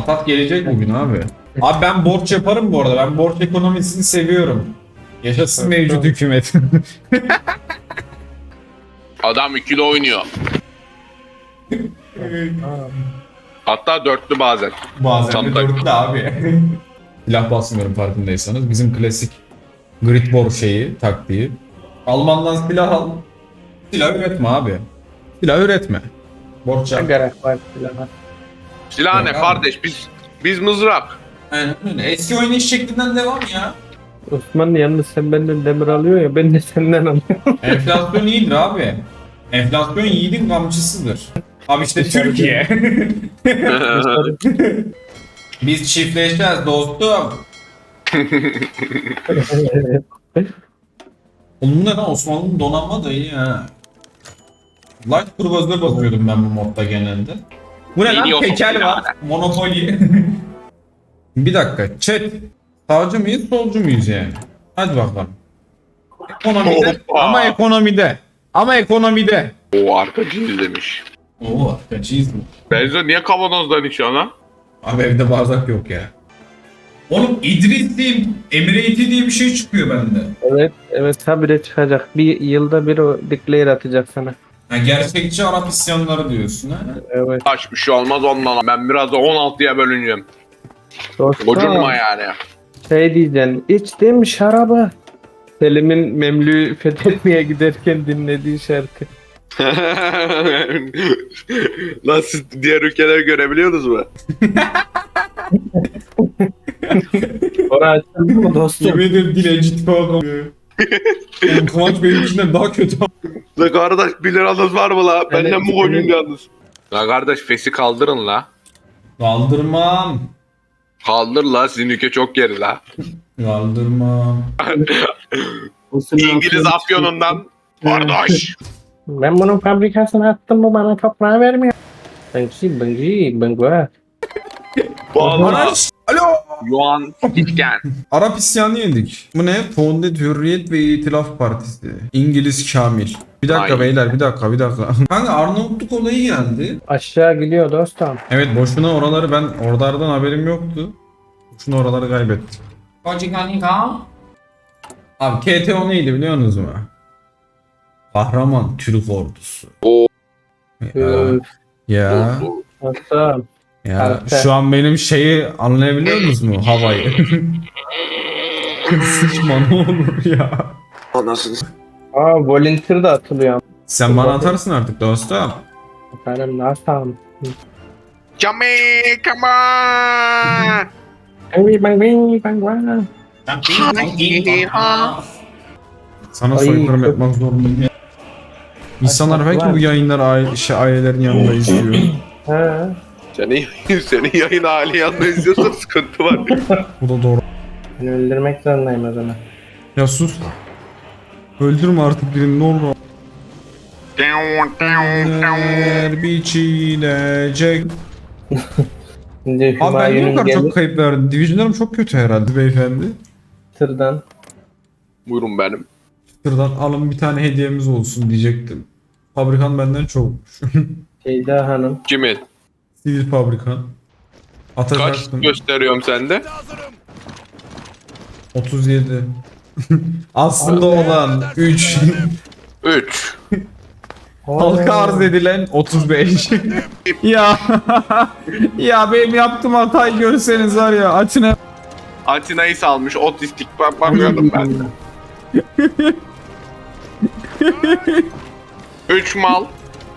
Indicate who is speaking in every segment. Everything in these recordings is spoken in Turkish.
Speaker 1: Atak gelecek bugün abi. Abi ben borç yaparım bu arada. Ben borç ekonomisini seviyorum. Yaşasın mevcut hükümet.
Speaker 2: Adam ikili oynuyor. Hatta dörtlü bazen.
Speaker 1: Bazen de
Speaker 2: Tam
Speaker 1: dörtlü abi. Silah basmıyorum farkındaysanız. Bizim klasik grid war şeyi, taktiği. Almandan silah al. Silah üretme abi. Silah üretme. Borç
Speaker 3: Ne
Speaker 1: yap.
Speaker 3: gerek var silahına?
Speaker 2: Silah ne
Speaker 1: Yok abi.
Speaker 2: kardeş? Biz mızrak.
Speaker 1: Aynen öyle. Eski oynayış şeklinden devam ya.
Speaker 3: Osman yalnız sen benden demir alıyor ya ben de senden alıyorum.
Speaker 1: Enflasyon iyidir abi. Enflasyon yiğidin kamçısıdır. Abi işte
Speaker 3: Dışarıda.
Speaker 1: Türkiye. Biz çiftleşeceğiz dostum. Oğlum ne lan, Osmanlı'nın donanma da iyi ha. Light Cruiser'a basıyordum ben bu modda genelde. Bu ne lan,
Speaker 2: Biliyorsun
Speaker 1: tekel
Speaker 2: ya.
Speaker 1: var. Monopoly. Bir dakika chat. Sağcı mıyız solcu muyuz yani? Hadi bakalım. Ekonomide
Speaker 2: Hoppa.
Speaker 1: ama ekonomide. Ama ekonomide.
Speaker 2: O arkacıyız demiş.
Speaker 1: Oo, kaçıyız mı?
Speaker 2: Benzo niye kavanozdan içiyorsun lan?
Speaker 1: Abi evde bardak yok ya. Oğlum İdris'liyim. Emirati diye bir şey çıkıyor bende.
Speaker 3: Evet habire çıkacak. Bir yılda bir o declare atacak sana.
Speaker 1: Ha, gerçekçi Arap isyanları diyorsun ha?
Speaker 3: Evet.
Speaker 2: Kaç bir şey olmaz ondan. Ben biraz da 16'ya bölüneceğim.
Speaker 3: Dostum
Speaker 2: Gocunma yani.
Speaker 3: şey diyeceksin. İçtim şarabı. Selim'in Memlü'yü fethetmeye giderken dinlediği şarkı.
Speaker 2: Nasıl diğer ülkeleri görebiliyorsunuz mu?
Speaker 3: Orası açıldı mı dostum?
Speaker 1: Yemin ederim dilenci kalkam. Oğlum Kıvanç benimkinden daha kötü.
Speaker 2: La kardeş 1 liranız var mı la? Benden mi
Speaker 3: Evet.
Speaker 2: koyun yalnız? La kardeş fesi kaldırın la.
Speaker 1: Kaldırmam.
Speaker 2: Kaldır la, sizin ülke çok geri la.
Speaker 1: Kaldırmam.
Speaker 2: İngiliz afyonundan. Kardeş.
Speaker 3: Ben bunun fabrikasına attım bu bana toprağı vermiyor. Bangı.
Speaker 2: Valla.
Speaker 1: Alo.
Speaker 2: Yuan Gitken.
Speaker 1: Arap isyanı yedik. Bu ne? Fondet Hürriyet ve İtilaf Partisi. İngiliz Kamil. Bir dakika
Speaker 2: Ay.
Speaker 1: beyler, bir dakika. Kanka Arnavutluk olayı geldi.
Speaker 3: Aşağı gidiyor dostum.
Speaker 1: Evet, boşuna oraları ben oralardan haberim yoktu. Boşuna oraları kaybettim. Abi KTO neydi biliyor musunuz mu? Kahraman Türk ordusu.
Speaker 2: Oo.
Speaker 1: Ya.
Speaker 3: Dostum.
Speaker 1: Ya
Speaker 3: Karakter.
Speaker 1: şu an benim şeyi anlayabiliyor musunuz mu? Havayı. Sıçma ne olur ya.
Speaker 2: Anasını.
Speaker 3: Volunteer da atılıyor.
Speaker 1: Sen bana atarsın artık dostum.
Speaker 3: Efendim dostum.
Speaker 2: Jamaica man.
Speaker 1: Sana
Speaker 3: Ay,
Speaker 1: soykırım
Speaker 3: çok-
Speaker 1: yapmak zorundayım ya. İnsanlar belki bu yayınları ailelerin yanında izliyor.
Speaker 3: Ha.
Speaker 2: Senin yayın hali yanında izliyorsan sıkıntı var.
Speaker 1: Bu da doğru.
Speaker 3: Beni öldürmek zorundayım o zaman.
Speaker 1: Ya sus. Öldürme artık birini ne olur. Biçilecek.
Speaker 3: Şimdi
Speaker 1: Abi ben niye bu
Speaker 3: Hümayun'un
Speaker 1: kadar
Speaker 3: gelip
Speaker 1: çok kayıp verdim? Division'larım çok kötü herhalde beyefendi.
Speaker 3: tırdan
Speaker 2: Buyurun benim.
Speaker 1: Şuradan alın bir tane hediyemiz olsun diyecektim. Fabrikan benden çokmuş.
Speaker 3: Şeyda Hanım.
Speaker 2: Kimin?
Speaker 1: Sivil fabrikan.
Speaker 2: Kaç
Speaker 1: Atacaktım.
Speaker 2: gösteriyorum sende?
Speaker 1: 37. Aslında olan 3.
Speaker 2: 3.
Speaker 1: Halka arz edilen 35. Ya ya benim yaptığım hatayı görseniz var ya açına.
Speaker 2: Atina'yı salmış otistik bakıyordum ben. 3 mal.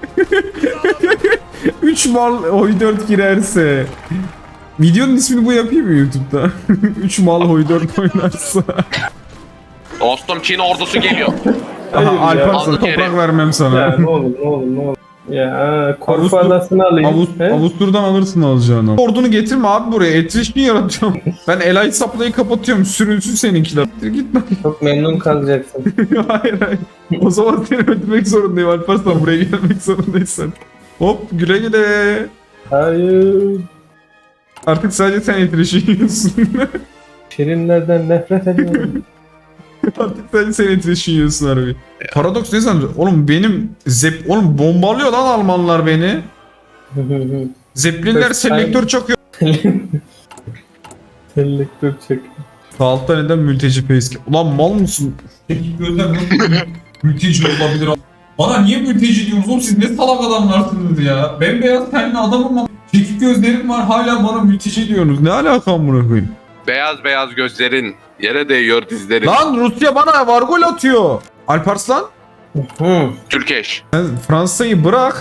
Speaker 1: 3 mal hoy 4 girerse. Videonun ismini bu yapayım mı YouTube'da? 3 mal hoy 4 oynarsa.
Speaker 2: Dostum Çin ordusu geliyor.
Speaker 1: Aha
Speaker 3: Hayır ya.
Speaker 1: Alparslan
Speaker 2: Aldı
Speaker 1: toprak
Speaker 2: geri.
Speaker 1: vermem sana.
Speaker 3: Ya ne olur ne olur ne olur. Ya Korfu
Speaker 1: Avustur-
Speaker 3: adasını alayım. He?
Speaker 1: Avustur'dan alırsın alacağını. Ordunu getirme abi buraya. Etrişni yaratacağım. Ben Elite Supply'ı kapatıyorum. Sürünsün seninkiler. Git lan.
Speaker 3: Çok memnun kalacaksın.
Speaker 1: Hayır. O zaman seni öldürmek zorundayım Alparslan. Buraya gelmek zorundaysan. Hop güle güle.
Speaker 3: Hayır.
Speaker 1: Artık sadece sen etrişni yiyorsun.
Speaker 3: Şirinlerden nefret ediyorum.
Speaker 1: Artık sadece sen etrişni yiyorsun harbi. Paradoks ne sandın? Oğlum benim Oğlum bombalıyor lan Almanlar beni. Zeppelinler
Speaker 3: First time.
Speaker 1: selektör çakıyor.
Speaker 3: Selektör çek.
Speaker 1: Sağ altta neden mülteci peyski? Ulan mal mısın? Çekik gözler nasıl mülteci olabilir? Bana niye mülteci diyorsunuz oğlum, siz ne salak adamlarsınız ya? Bembeyaz tenli adamım ama çekik gözlerim var, hala bana mülteci diyorsunuz. Ne alakam bunu koyayım?
Speaker 2: Beyaz beyaz gözlerin yere değiyor dizlerin.
Speaker 1: Lan Rusya bana var gol atıyor. Alparslan
Speaker 3: Hı.
Speaker 2: Türkeş.
Speaker 1: sen Fransa'yı bırak.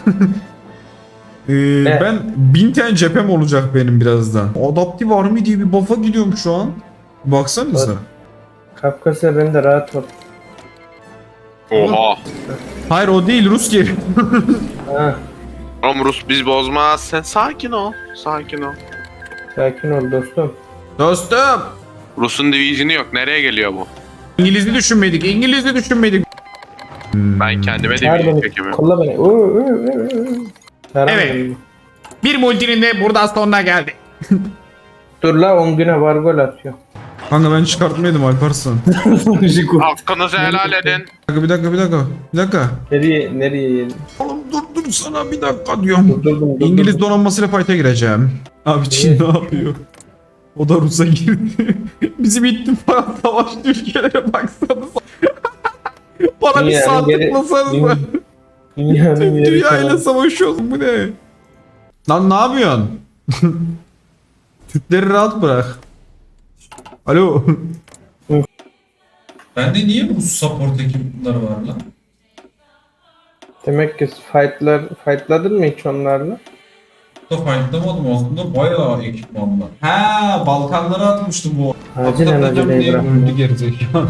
Speaker 1: Ben 1000 tane cephem olacak benim birazdan. Adaptive Army diye bir buff'a gidiyorum şu an. Baksanıza.
Speaker 3: Kafkasya bende rahat ol.
Speaker 2: Oha.
Speaker 1: Hayır o değil, Rus geri.
Speaker 3: Ha,
Speaker 2: Oğlum Rus biz bozmaz. Sen sakin ol. Sakin ol.
Speaker 3: sakin ol dostum.
Speaker 1: Dostum.
Speaker 2: Rus'un divizyonu yok. Nereye geliyor bu?
Speaker 1: İngiliz'i düşünmedik.
Speaker 2: Ben kendime
Speaker 3: Çağır
Speaker 2: divizyon
Speaker 3: beni.
Speaker 2: çekemiyorum.
Speaker 3: Kolla beni. Çağır
Speaker 1: Evet.
Speaker 3: beni.
Speaker 1: Bir multinin de burada sonuna geldi.
Speaker 3: Dur la 10 güne var gol atıyor.
Speaker 1: Kanka ben çıkartmaydım Alparslan.
Speaker 2: Hakkınızı helal edin.
Speaker 1: Bir dakika.
Speaker 3: Nereye yedin?
Speaker 1: Oğlum dur sana bir dakika diyorum.
Speaker 3: Durdum.
Speaker 1: İngiliz donanmasıyla fight'a gireceğim. Abi Çin ne yapıyor? O da Rus'a girdi. Bizim ittifak savaşlı ülkelere baksanıza. Bana bir
Speaker 3: Dünyanın
Speaker 1: saat
Speaker 3: geri-
Speaker 1: tıklasanıza.
Speaker 3: Dünyanın
Speaker 1: Tüm
Speaker 3: yeri
Speaker 1: dünyayla
Speaker 3: tamam.
Speaker 1: savaşıyorsun, bu ne? Lan ne yapıyorsun? Türkleri rahat bırak. Alo. Bende niye Rus support ekipleri var lan?
Speaker 3: Demek ki fightladın mı hiç onlarla?
Speaker 1: Da fightlamadım aslında, bayağı ekipman var. Ha, Balkanlara atmıştım bu.
Speaker 3: Acilen İbrahim.
Speaker 1: öldü gerizekalı.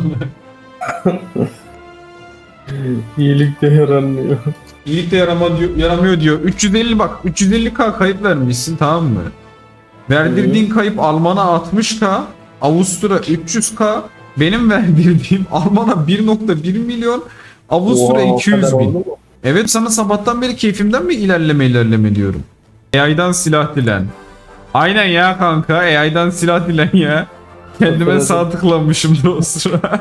Speaker 3: İyilik de yaranmıyor.
Speaker 1: İyilik de yaramıyor diyor. 350k kayıp vermişsin, tamam mı? Verdirdiğin kayıp Alman'a 60k, Avusturya 300k, benim verdirdiğim Alman'a 1.1 milyon, Avusturya
Speaker 3: Oha, o
Speaker 1: 200
Speaker 3: kadar
Speaker 1: bin.
Speaker 3: oldu mu?
Speaker 1: Evet, sana sabahtan beri keyfimden mi ilerleme diyorum. AI'dan silah dilen. Aynen ya kanka, AI'dan silah dilen ya. Kendime
Speaker 3: Hatırladım.
Speaker 1: sağ tıklamışım da o sıra.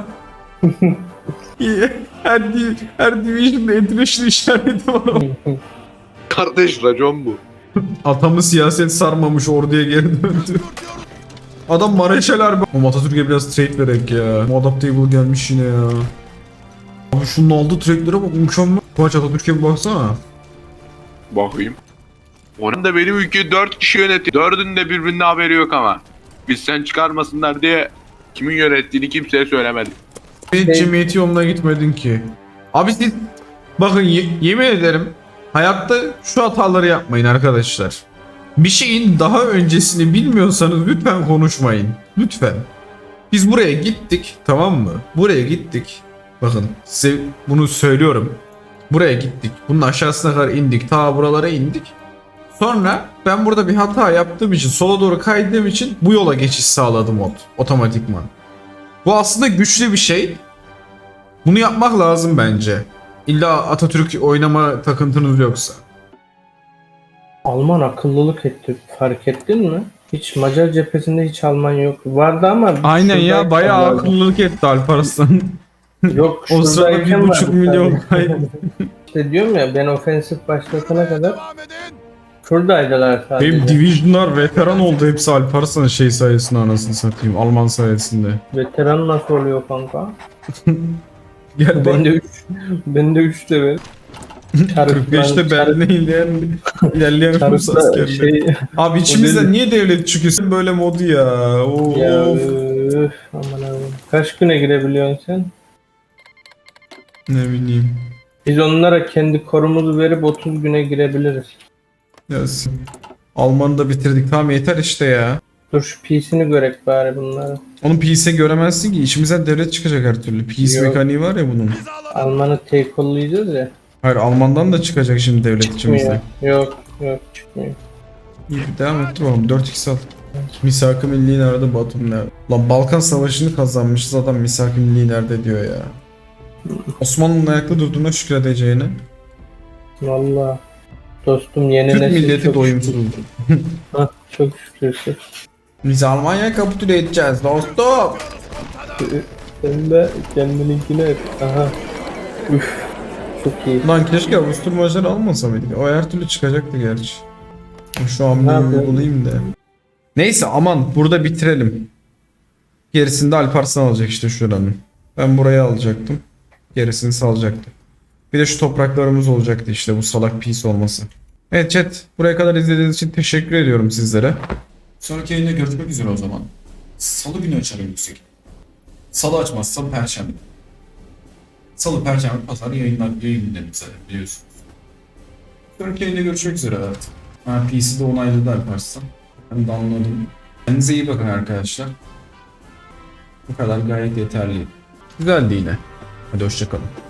Speaker 1: her division'da international işareti var.
Speaker 2: Kardeş racon bu.
Speaker 1: Atamı siyaset sarmamış, orduya geri döndü. Adam Mareşal Harbi. O Atatürk'e biraz trade verek ya. O Adaptable gelmiş yine ya. Abi şunun aldığı trade'lere bak, mükemmel. Kıvanç, Atatürk'e bir baksana.
Speaker 2: Bakayım. Onun da benim ülkeyi 4 kişi yönetiyor. 4'ünün de birbirine haberi yok ama. Biz sen çıkarmasınlar diye kimin yönettiğini kimseye söylemedik.
Speaker 1: Hiç cemiyeti yoluna gitmedin ki. Abi siz bakın, yemin ederim hayatta şu hataları yapmayın arkadaşlar. Bir şeyin daha öncesini bilmiyorsanız lütfen konuşmayın. Lütfen. Biz buraya gittik, tamam mı? Buraya gittik. Bakın size bunu söylüyorum. Buraya gittik. Bunun aşağısına kadar indik. Ta buralara indik. Sonra ben burada bir hata yaptığım için, sola doğru kaydığım için bu yola geçiş sağladı mod otomatikman. Bu aslında güçlü bir şey. Bunu yapmak lazım bence. İlla Atatürk oynama takıntınız yoksa.
Speaker 3: Alman akıllılık etti. Fark ettin mi? Hiç Macar cephesinde hiç Alman yok. Vardı ama
Speaker 1: Aynen ya,
Speaker 3: şuradayken
Speaker 1: bayağı
Speaker 3: vardı.
Speaker 1: akıllılık etti Alparslan.
Speaker 3: Yok
Speaker 1: O sırada
Speaker 3: şuradayken
Speaker 1: 1,5
Speaker 3: vardı
Speaker 1: milyon
Speaker 3: sadece.
Speaker 1: kayıp.
Speaker 3: İşte diyorum ya, ben ofensif başlatana kadar şuradaydılar sadece.
Speaker 1: Benim divisionlar veteran oldu hepsi Alparslan şey sayesinde, anasını satayım, Alman sayesinde.
Speaker 3: Veteran nasıl oluyor kanka?
Speaker 1: Gel bak,
Speaker 3: Bende 3 de ver.
Speaker 1: 45'te Berlin'e ilerleyen Rus askerleri. Abi içimizden niye devlet çıkıyor böyle modu ya?
Speaker 3: Ya
Speaker 1: Of.
Speaker 3: aman abi. Kaç güne girebiliyorsun sen?
Speaker 1: Ne bileyim.
Speaker 3: Biz onlara kendi korumuzu verip 30 güne girebiliriz.
Speaker 1: Ya, Alman'ı da bitirdik, tamam yeter işte ya.
Speaker 3: Dur şu PC'ni görek bari bunları.
Speaker 1: Onun PC göremezsin ki, içimizden devlet çıkacak her türlü. PC
Speaker 3: Yok.
Speaker 1: mekaniği var ya bunun.
Speaker 3: Alman'ı take-all'layacağız ya.
Speaker 1: Hayır, Alman'dan da çıkacak şimdi devlet
Speaker 3: Çıkmıyor.
Speaker 1: içimizde.
Speaker 3: Yok çıkmıyor.
Speaker 1: İyi, bir devam et bakalım, 4x al. Misak-ı Milli nerede, Batum nerede? Lan Balkan Savaşı'nı kazanmışız, adam Misak-ı Milli nerede diyor ya. Osmanlı'nın ayakta durduğuna şükredeceğine.
Speaker 3: Valla. Dostum yeni
Speaker 1: Türk
Speaker 3: nesil
Speaker 1: milleti
Speaker 3: çok
Speaker 1: doyumsuz.
Speaker 3: şükür. Hah, çok şükür.
Speaker 1: Biz Almanya'ya kapitüle edeceğiz dostum.
Speaker 3: Sen de kendininkini et. Aha. Üf. Çok iyi.
Speaker 1: Lan keşke Avusturya almasa mıydık? O her türlü çıkacaktı gerçi. Şu an
Speaker 3: Ne
Speaker 1: bir
Speaker 3: yapıyor?
Speaker 1: uygulayayım da. Neyse aman burada bitirelim. Gerisini de Alparslan alacak işte şuranın. Ben burayı alacaktım. Gerisini salacaktım. Bir de şu topraklarımız olacaktı işte bu salak pis olması. Evet chat, buraya kadar izlediğiniz için teşekkür ediyorum sizlere. Sonraki yayında görüşmek üzere o zaman. Salı günü açarım yüksek. Salı açmazsam perşembe. Salı, perşembe, pazar yayınlarım zaten biliyorsunuz. Sonraki yayında görüşmek üzere evet. PC'de onayladı Alparslan. Ben de anladım. Kendinize iyi bakın arkadaşlar. Bu kadar gayet yeterli. Güzeldi yine. Hadi hoşçakalın.